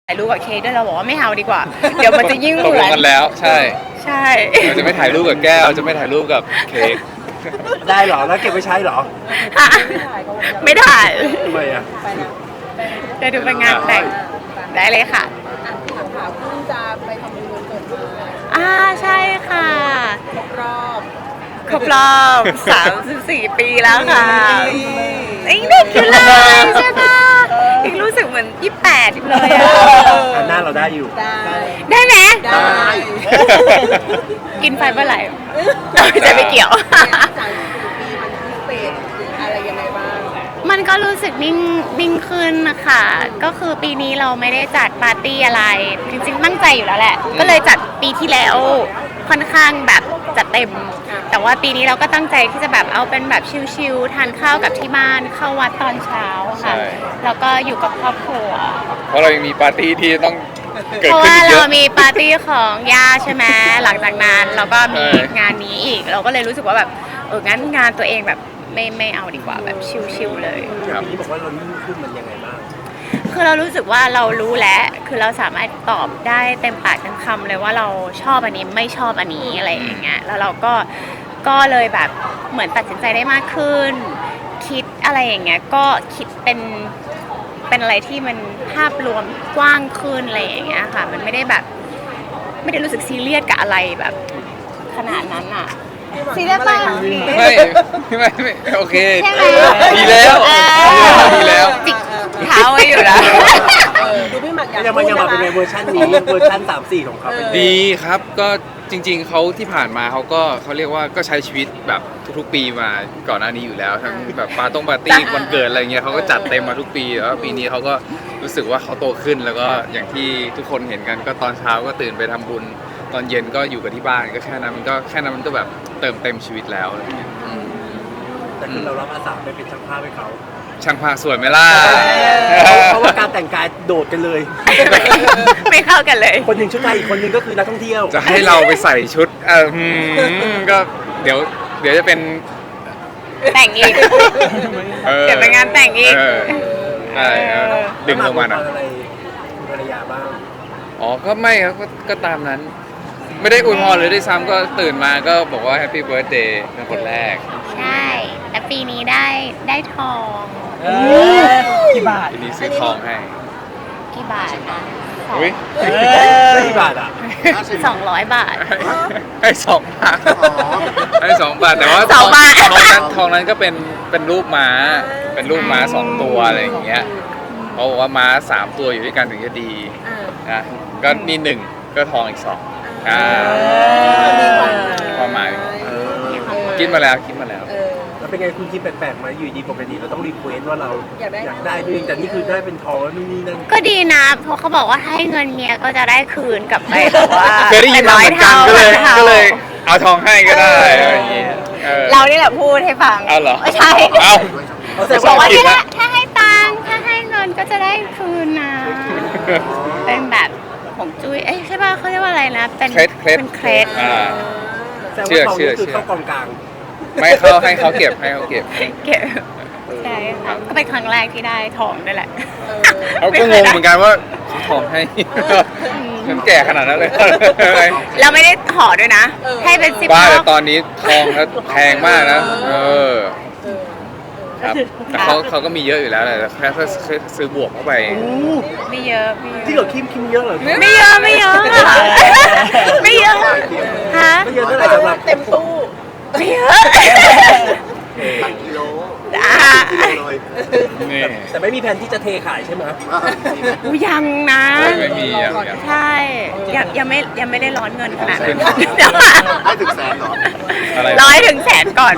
ถ่ายรูปกับเค้กด้วยเราบอกว่าไม่เอาดีกว่า เดี๋ยวมันจะยิ่งตกเหมืลอง นกันแล้วใช่ใช่เราจะไม่ถ่ายรูปกับแก้วจะไม่ถ่ายรูปกับเค้กได้เหรอแล้วเก็บไว้ใช้เหรอไม่ถ่ายทำไมอ่ะเดี๋ยวดูเป็นงานแต่งได้เลยค่ะถามเพิ่งจะไปทำบุญวันเกิดมาใช่ค่ะรอบครบรอบ34 ปีแล้วค่ะยังเด็กอยู่เลยใช่ปะยังรู้สึกเหมือน28อยู่เลยอะหน้าเราได้อยู่ได้ได้ไหมได้กินไฟเมื่อไหร่จะไม่เกี่ยว 34 ปีมันพิเศษหรืออะไรยังไงบ้างมันก็รู้สึกนิ่งขึ้นนะคะก็คือปีนี้เราไม่ได้จัดปาร์ตี้อะไร จริงๆตั้งใจอยู่แล้วแหละ ก็เลยจัดปีที่แล้วค่อนข้างแบบจัดเต็ม แต่ว่าปีนี้เราก็ตั้งใจที่จะแบบเอาเป็นแบบชิลๆทานข้าวกับที่บ้านเข้าวัดตอนเช้าค่ะใช่แล้วก็อยู่กับครอบครัวเพราะเรายังมีปาร์ตี้ที่ต้องเกิเพดราะขึ้นว่าอีกเยเราอะมีปาร์ตี้ของย่าใช่ไหมหลังจากนั้นเราก็มีใช่งานนี้อีก เราก็เลยรู้สึกว่าแบบงั้นงานตัวเองแบบไม่เอาดีกว่าแบบชิลๆเลยครับปีนี้บอกว่าเรานิ่งขึ้นมันยังไงบ้างคือเรารู้สึกว่าเรารู้แล้ว คือเราสามารถตอบได้เต็มปากเต็มคำเลยว่าเราชอบอันนี้ไม่ชอบอันนี้อะไรอย่างเงี้ย แล้วเราก็เลยแบบเหมือนตัดสินใจได้มากขึ้น คิดอะไรอย่างเงี้ย ก็คิดเป็นอะไรที่มันภาพรวมกว้างขึ้นอะไรอย่างเงี้ยค่ะ มันไม่ได้รู้สึกซีเรียสกับอะไรแบบขนาดนั้นอ่ะ ซีเรียสป่ะไม่โอเคใช่ไหมดีแล้ว ดีแล้วจิกเท้าไว้อยู่นะดูพี่หมักอยากยังพูมันดยังมาเป็นไหในเวอร์ชันนี้เวอร์ชัน3-4ของเขาเป็นดีครับก็จริงๆเขาที่ผ่านมาเขาก็เขาเรียกว่าก็ใช้ชีวิตแบบทุกๆปีมาก่อนหน้านี้อยู่แล้วทั้งแบบปาร์ตี้วันเกิดอะไรเงี้ยเขาก็จัดเต็มมาทุกปีแล้วปีนี้เขาก็รู้สึกว่าเขาโตขึ้นแล้วก็อย่างที่ทุกคนเห็นกันก็ตอนเช้าก็ตื่นไปทำบุญตอนเย็นก็อยู่กับที่บ้านก็แค่นั้นมันก็แบบเติมเต็มชีวิตแล้วอะไรเงี้ยแต่คือเรารับอาสาไปเป็นช่างภาพให้เขาช่างภาพสวยไหมล่ะเพราะว่าการแต่งกายโดดกันเลยไม่เข้ากันเลยคนหนึ่งชุดไทยอีกคนหนึ่งก็คือนักท่องเที่ยวจะให้เราไปใส่ชุดก็เดี๋ยวจะเป็นแต่งอีก เดี๋ยวไปงานแต่งอีกใช่ดึงลงมาหน่อยอะไรคุณภรรยาบ้างอ๋อก็ไม่ครับก็ตามนั้น ไม่ได้อวยพรเลยด้วยซ้ำก็ตื่นมาก็บอกว่าแฮปปี้เบิร์ดเดย์เป็นคนแรกใช่ แต่ปีนี้ได้ทองกี่บาททีนี้ซื้อทองให้กี่บาทนะอุ้ยได้กี่บาทอ่ะ 200 บาทให้2 บาทให้2 บาทแต่ว่าสองบาททองนั้นก็เป็นรูปม้าเป็นรูปม้า2 ตัวอะไรอย่างเงี้ยเขาบอกว่าม้า3 ตัวอยู่ด้วยกันถึงจะดีนะก็นี่1ก็ทองอีก2ความหมายคิดมาแล้วแล้วเป็นไงคุณคิดแปลกๆไหมอยู่ดีปกติเราต้องรีเควสว่าเราอยากได้ด้วยแต่นี่คือได้เป็นทองแล้วนู่นนี่นั่นก็ดีนะ เพราะเขาบอกว่าให้เงินเมียก็จะได้คืนกลับไปแบบว่าเคยได้ยินมาเหมือนกันก็เลยป็นร้อท่าเอาทองให้ก็ได้อะไรอย่างเงี้ยเรานี่แหละพูดให้ฟังเอาเหรอใช่เอาแต่บอกว่าผิดถ้าให้ตังค์ถ้าให้เงินก็จะได้คืนนะ เป็นแบบของจุ้ยใช่ป่ะเขาเรียกว่าอะไรนะ เป็นเคล็ดเป็นเคล็ดแต่ว่าทองนี่คือเข้ากองกลางไม่เข้าให้เขาเก็บเก็บใช่ค่ะก็เป็นครั้งแรกที่ได้ทองด้วยแหละเขาก็งงเหมือนกันว่าซื้อทองให้ฉันแก่ขนาดนั้นเลยเราไม่ได้ห่อด้วยนะ ให้เป็น10 บ้ารอแต่บตอนนี้ทองแล้วแพงมากนะครับแต่เขาก็มีเยอะอยู่แล้วแหละแต่แค่ซื้อบวกเข้าไปไม่เยอะไม่เยที่อะเราคิมเยอะเหรอไม่เยอะไม่เยอะไม่เยอะฮะไม่เยอะเท่าไหร่สำหรับเต็มตู้ไม่เยอะตักกิโลอ่ะเลยนี่แต่ไม่มีแผนที่จะเทขายใช่ไหมอุ๊ยยังนะไม่มีอย่างใช่ยังไม่ได้ร้อนเงินขนาดนั้นให้ถึงแสนเหรออะไร 100 ถึงแสนก่อน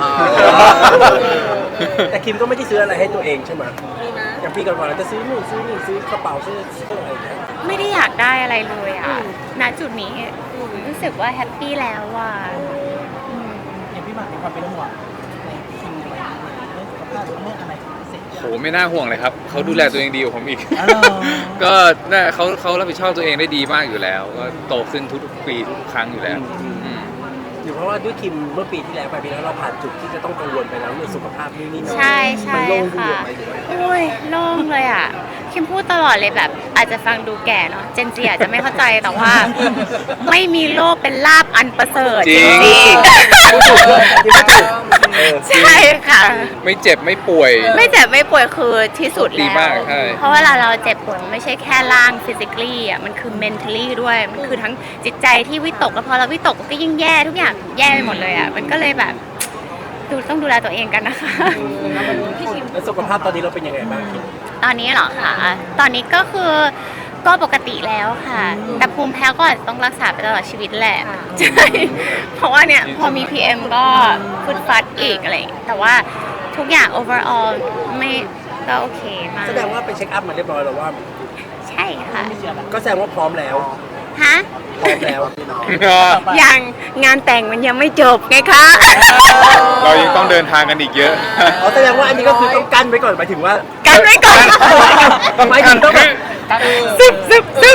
แต่คิมก็ไม่ได้ซื้ออะไรให้ตัวเองใช่ไหมมีนะอย่างปีก่อนๆเราจะซื้อนู่นซื้อนี่ซื้อกระเป๋าซื้ออะไรอย่างเงี้ยไม่ได้อยากได้อะไรเลยอ่ะณจุดนี้รู้สึกว่าแฮปปี้แล้วว่ะอย่างพี่หมากมีความเป็นห่วงในคิงอะไรเรื่องสุขภาพหรือเรื่องอะไรพิเศษโหไม่น่าห่วงเลยครับเขาดูแลตัวเองดีกว่าผมอีกอ๋อก็น่าเขารับผิดชอบตัวเองได้ดีมากอยู่แล้ว ก็โตขึ้นทุกๆปีทุกๆครั้งอยู่แล้วอืมหรือเพราะว่าด้วยคิมเมื่อปีที่แล้วไปปีแล้วเราผ่านจุดที่จะต้องกังวลไปแล้วเรื่องสุขภาพนี่นั่นใช่ใช่มันโล่งขึ้นค่ะเยอะไหมหรือว่าโอ้ยโล่งเลยอ่ะคิมพูดตลอดเลยแบบอาจจะฟังดูแก่เนาะเจนซีอาจจะไม่เข้าใจแต่ว่า ไม่มีโลกเป็นลาบอันประเสริฐจริงจริงพูดถูกเลยที่พูดถูกๆใช่ค่ะไม่เจ็บไม่ป่วยไม่เจ็บไม่ป่วยคือที่สุดดีแล้วมากใช่เพราะเวลาเราเจ็บปวดมันไม่ใช่แค่ร่าง physically อ่ะมันคือ mentally ด้วยมันคือทั้งจิตใจที่วิตกแล้วพอเราวิตกก็ยิ่งแย่ทุกอย่างแย่ไปหมดเลยอ่ะมันก็เลยแบบต้องดูแลตัวเองกันนะคะแล้วสุขภาพตอนนี้เราเป็นยังไงบ้างตอนนี้เหรอคะตอนนี้ก็คือก็ปกติแล้วค่ะ แต่ภูมิแพ้ก็อาจจะต้องรักษาไปตลอดชีวิตแหละ ใช่ เพราะว่าเนี่ยพอมี PM ก็ฟุดฟัดอีกอะไรอย่างเงี้ยแต่ว่าทุกอย่าง overall ไม่ก็โอเคมากแสดงว่าไปเช็คอัพมาเรียบร้อยแล้วว่าใช่ค่ะก็แสดงว่าพร้อมแล้วฮะพร้อมแล้วยังงานแต่งมันยังไม่จบไงคะเรายังต้องเดินทางกันอีกเยอะอ๋อแสดงว่าอันนี้ก็คือต้องกั้นไว้ก่อนหมายถึงว่ากันไว้ก่อนหมายถึงต้องแบบซึบ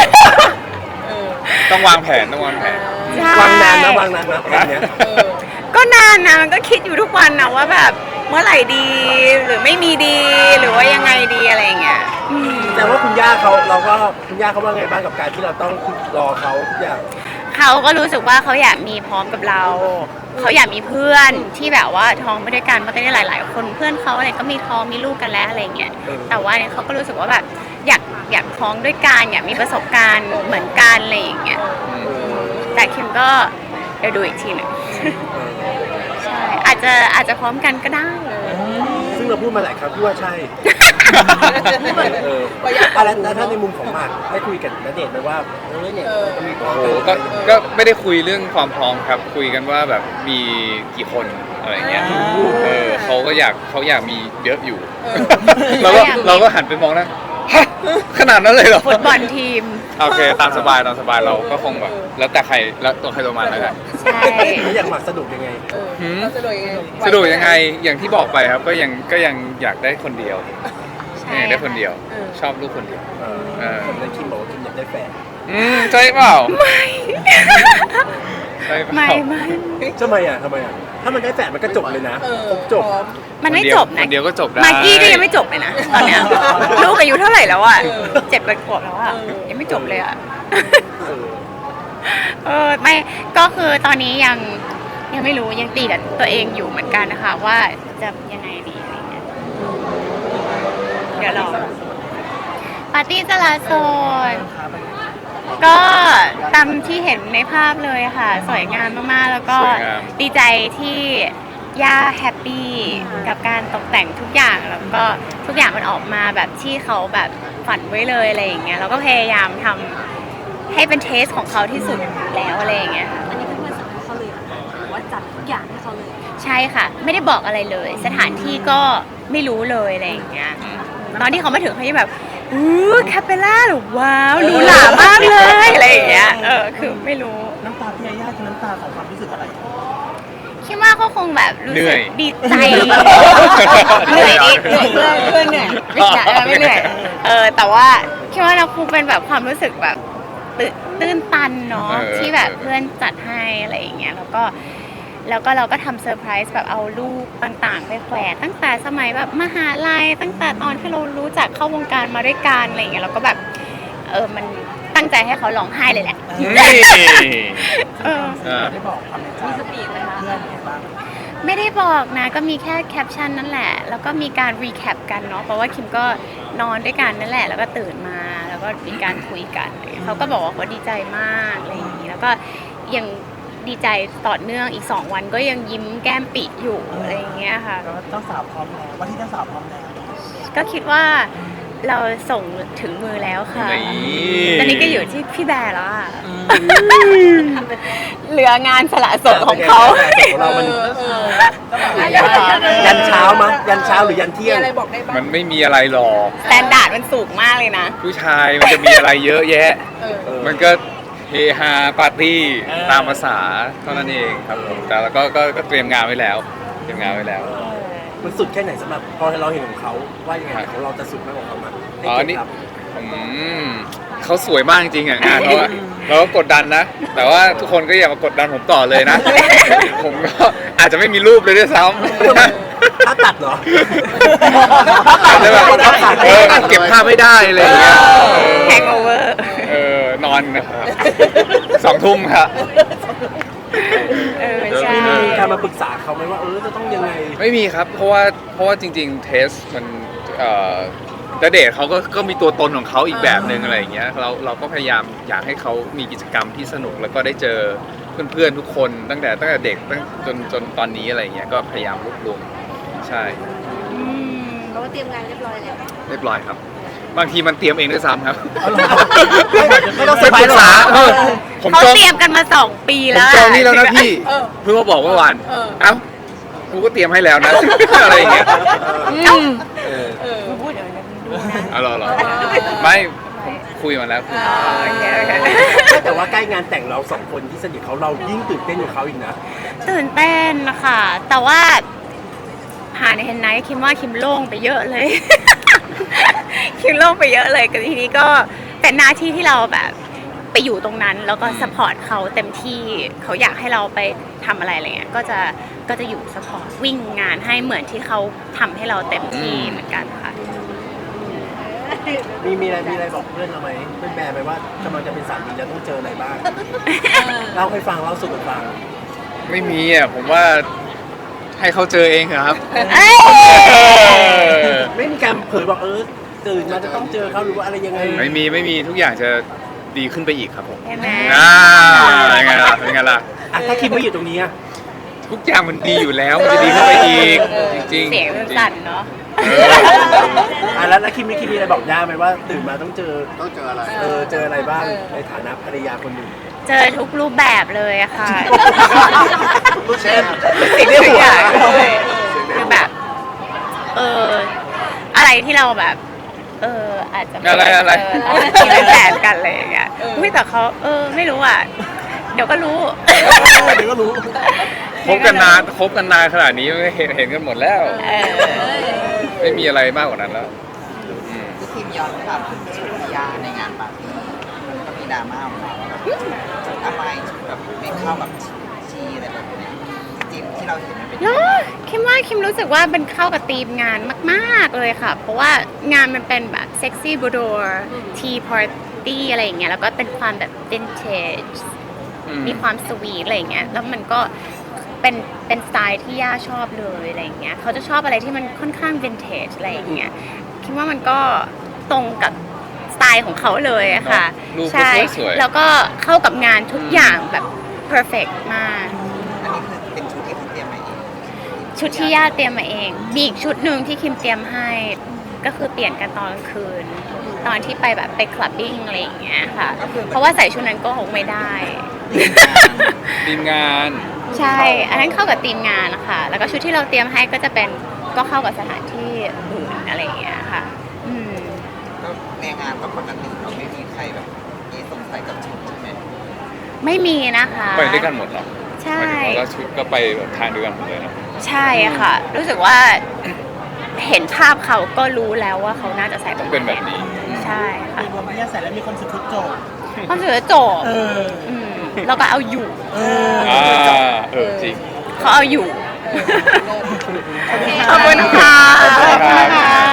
ต้องวางแผนต้องวางแผนใช่วางนานนะวางนานนะแบบเนี้ยก็นานนะมันก็คิดอยู่ทุกวันนะว่าแบบเมื่อไหร่ดีหรือไม่มีดีหรือว่ายังไงดีอะไรอย่างเงี้ยอืมแต่ว่าคุณย่าเขาคุณย่าเขาว่าไงบ้างกับการที่เราต้องรอเขาทุกอย่างเขาก็รู้สึกว่าเขาอยากมีพร้อมกับเรา เขาอยากมีเพื่อนที่แบบว่าท้องไปด้วยกันมันก็ได้หลาย ๆ คนเพื่อนเขาอะไรก็มีท้องมีลูกกันแล้วอะไรเงี้ยแต่ว่าเนี่ยเขาก็รู้สึกว่าแบบอยากท้องด้วยกันอยากมีประสบการณ์เหมือนกันอะไรอย่างเงี้ยแต่คิมก็เดี๋ยวดูอีกทีหนึ่งใช่อาจจะพร้อมกันก็ได้ซึ่งเราพูดมาหลายครั้งที่ว่าใช่แล้วถ้าในมุมของหมากได้คุยกันณเดชน์ไหมว่าเนี่ยจะมีพร้อมโอ้โหกันก็ไม่ได้คุยเรื่องความพร้อมครับ คุยกันว่าแบบมีกี่คนอะไรเงี้ยเขาอยากมีเยอะอยู่ เราก็หันไปมองนะฮะขนาดนั้นเลยเหรอฟุตบอลทีมโอเคตามสบายเราก็คงแบบแล้วแต่ใครแล้วตัวใครตัวมันแล้วกันใช่แล้วอย่างหมากสนุกยังไงเราจะโดยยังไงสะดวกยังไงอย่างที่บอกไปครับก็ยังอยากได้คนเดียวใช่อยากได้คนเดียว ชอบลูกคนเดียวผมได้คิมบอกว่าคิมอยากได้แฟนใช่เปล่าไม่ใช่เปล่าไม่ทำไมอ่ะถ้ามันได้แฟนมันก็จบเลยนะครบจบมันไม่จบนะคนเดียวก็จบได้มากกี้ก็ยังไม่จบเลยนะตอนเนี้ยลูกอายุเท่าไหร่แล้วอ่ะ7 ขวบแล้วอ่ะยังไม่จบเลยอ่ะไม่ก็คือตอนนี้ยังไม่รู้ยังตีกับตัวเองอยู่เหมือนกันนะคะว่าจะยังไงดีอะไรเงี้ยเดี๋ยวรอปาร์ตี้จราโซนก็ตามที่เห็นในภาพเลยค่ะ สวยงามมากๆแล้วก็สวยงามดีใจที่ย่าแฮปปี้กับการตกแต่งทุกอย่างแล้วก็ทุกอย่างมันออกมาแบบที่เขาแบบฝันไว้เลยอะไรอย่างเงี้ยเราก็พยายามทำให้เป็นเทสของเขาที่สุดแล้วอะไรอย่างเงี้ยอันนี้เป็นเพื่อนสั่งให้เขาเลยเหรอคะหรือว่าจัดทุกอย่างให้เขาเลยใช่ค่ะ ไม่ได้บอกอะไรเลย สถานที่ก็ไม่รู้เลยอะไรอย่างเงี้ยตอนที่เขามาถึงเขาจะแบบคาเปล่าหรือว้าวหรูหรามากเลยอะไรอย่างเงี้ยคือไม่รู้น้ำตาพี่ยาย่าคือน้ำตาของความรู้สึกอะไรคิดว่าเขาคงแบบรู้เหนื่สึอก ยดีใจเหนื่อยดิเหนื่อยไม่เหนื่อยแต่ว่าคิดว่าเราคงเป็นแบบความรู้สึกแบบตื้นตันเนาะที่แบบเพื่อนจัดให้อะไรอย่างเงี้ยแล้วก็เราก็ทำเซอร์ไพรส์แบบเอารูปต่างๆไปแขวนตั้งแต่สมัยแบบมหาลัยตั้งแต่ตอนที่เรารู้จักเข้าวงการมาด้วยกันอะไรอย่างเงี้ยเราก็แบบมันตั้งใจให้เขาร้องไห้เลยแหละนี่ได้บอกความในใจมีสปีดไหมคะเพื่อนไงบ้างไม่ได้บอกนะก็มีแค่แคปชั่นนั่นแหละ แล้วก็มีการรีแคปกันเนาะเพราะว่าคิมก็นอนด้วยกันนั่นแหละ แล้วก็ตื่นมาแล้วก็มีการคุยกันเขาก็บอกว่าเขาดีใจมากอะไรอย่างนี้แล้วก็ยังดีใจต่อเนื่องอีก2 วันก็ยังยิ้มแก้มปิอยู่อะไรอย่างเงี้ยค่ะแล้วเจ้าสาวพร้อมแล้ววันที่เจ้าสาวพร้อมแล้วก็คิดว่าเราส่งถึงมือแล้วค่ะนี่ตอนนี้ก็อยู่ที่พี่แบร์แล้วอะเหลืองานสละโสดของเขาของเรามันยันเช้ามั้ยยันเช้าหรือยันเที่มียงอะไรบอกได้บ้างมันไม่มีอะไรหรอกสแตนดาร์ดมันสูงมากเลยนะผู้ชายมันจะมีอะไรเยอะแยะ มันก็เฮฮาปาร์ตี้ตามภาษาเท่านั้นเองครับผมแต่แล้วก็เตรียมงานไว้แล้วมันสุดแค่ไหนสำหรับพอเราเห็นของเขาว่ายังไงของเราจะสุดมากกว่าเขามั้ยอ๋อนี่เขาสวยมากจริงๆอ่ะงานเขาอะเราก็กดดันนะ แต่ว่าทุกคนก็อย่ามากดดันผมต่อเลยนะ ผมก็อาจจะไม่มีรูปเลยด้วยซ้ำถ้าตัดเหรออาจจะแบบเก็บภาพไม่ได้อะไรอย่างเงี้ยแฮงโอเวอร์นอนนะครับ2 ทุ่มครับใช่มีการมาปรึกษาเขาไหมว่าจะต้องยังไงไม่มีครับ เพราะว่าจริงๆเทสมันณเดชน์เขาก็มีตัวตนของเขาอีกแบบหนึ่งอะไรอย่างเงี้ยเราก็พยายามอยากให้เขามีกิจกรรมที่สนุกแล้วก็ได้เจอเพื่อนๆทุกคนตั้งแต่เด็กจนตอนนี้อะไรอย่างเงี้ยก็พยายามรวบรวมใช่เพราะว่าเตรียมงานเรียบร้อยแล้วเรียบร้อยครับ บางทีมันเตรียมเองด้วยซ้ำครับไม่ต้องเซอไปร์ไพรปรึส์กหรอษาผมเขาจองเตรียมกันมา2 ปีผมแล้วจองนี่แล้วนะพี่เพิ่งมาบอกเมื่อวานเอ้ากูก็เตรียมให้แล้วนะ อะไรอย่างเงี้ยพูดเดี๋ยวนะดูนะอ๋อเหรอไม่ผมคุยมาแล้วโอเคแต่ว่าใกล้งานแต่งเรา2 คนที่สนิทเรายิ่งตื่นเต้นกว่าเขาอีกนะตื่นเต้นนะคะแต่ว่าผ่านในเฮนไนท์คิมว่าคิมโล่งไปเยอะเลย คิมโล่งไปเยอะเลยก็ทีนี้ก็เป็นหน้าที่ที่เราแบบไปอยู่ตรงนั้นแล้วก็สปอร์ตเขาเต็มที่เขาอยากให้เราไปทำอะไรเงี้ยก็จะอยู่สปอร์ตวิ่งงานให้เหมือนที่เขาทำให้เราเต็มที่เหมือนกันค่ะมีอะไรบอกเพื่อนเราไหมเพื่อนแบร์ไหมว่ากำลังจะเป็นสามีแล้วต้องเจออะไรบ้างเล่าให้ฟังเล่าสู่กันฟังไม่มีอ่ะผมว่าให้เขาเจอเองเถอะครับไม่มีการเผยบอกตื่นมาจะต้องเจอเขาหรือว่าอะไรยังไงไม่มีทุกอย่างจะดีขึ้นไปอีกครับผมใช่ไหมยังไงล่ะเป็นไงล่ะถ้าคิมไม่อยู่ตรงนี้อะทุกอย่างมันดีอยู่แล้วมันจะดีขึ้นไปอีกจริงๆเสียงมันสั่นเนาะแล้วคิมมีอะไรบอกย่าไหมว่าตื่นมาต้องเจอต้องเจออะไรเจออะไรบ้างในฐานะภรรยาคนหนึ่งเจอทุกรูปแบบเลยอะค่ะเช่นสิ่งในหัวคือแบบ อะไรที่เราแบบ อาจจะม่อะไรที่เป็นแฟนกันเลยอย่างเงี้ยอุ้ยแต่เขาไม่รู้อ่ะ เดี๋ยวก็รู้เดี๋ยวก็รู้คบกันนานขนาดนี้เห็นกันหมดแล้ว ไม่มีอะไรมากกว่านั้นแล้วพี่ทีมย้อนกลับถึงชุดพิยาในงานปาร์ตี้มันก็มีดราม่าออกมาว่าแบบทำไมชุดแบบไม่เข้ากับชีอะไรแบบเนี้ยจริงๆที่เราเห็นมันเป็นเนอะคิมรู้สึกว่ามันเข้ากับธีมงานมากๆเลยค่ะ เพราะว่างานมันเป็นแบบเซ็กซี่บูโดร์ทีพาร์ตี้อะไรอย่างเงี้ยแล้วก็เป็นความแบบวินเทจมีความสวีทอะไรอย่างเงี้ยแล้วมันก็เป็นสไตล์ที่ย่าชอบเลยอะไรอย่างเงี้ยเขาจะชอบอะไรที่มันค่อนข้างวินเทจอะไรอย่างเงี้ยคิดว่ามันก็ตรงกับสไตล์ของเขาเลยอะค่ะรูปก็ใช่สวยๆแล้วก็เข้ากับงานทุกอย่างแบบ perfect มากอันนี้คือเป็นชุดที่เขาเตรียมมาเองชุดที่ย่าเตรียมมาเอง มีอีกชุดหนึ่งที่คิมเตรียมให้ ก็คือเปลี่ยนกันตอนกลางคืน ตอนที่ไปแบบไปคลับบิ้งอะไรอย่างเงี้ยค่ะ เพราะว่าใส่ชุดนั้นก็คงไม่ได้ทีมงานใช่ อันนั้นเข้ากับทีมงานนะคะ แล้วก็ชุดที่เราเตรียมให้ก็จะเป็นก็เข้ากับสถานที่อื่นอะไรอย่างเงี้ยค่ะก็ในงานปกติเราไม่มีใครแบบมีสงสัยกับชุดใช่ไหมไม่มีนะคะไปด้วยกันหมดเหรอใช่หมายถึงว่าชุดก็ไปแบบทางเดียวกันหมดเลยเนาะใช่ค่ะ รู้สึกว่าเห็นภาพเขาก็รู้แล้วว่าเขาน่าจะใส่ต้องเป็นแบบนี้ใช่ค่ะมีความพิยาใส่แล้วมีความสุขทุกโจทย์ความสวยโจบ แล้วก็เอาอยู่จริงเขาเอาอยู่ ขอบคุณค่ะขอบคุณครับ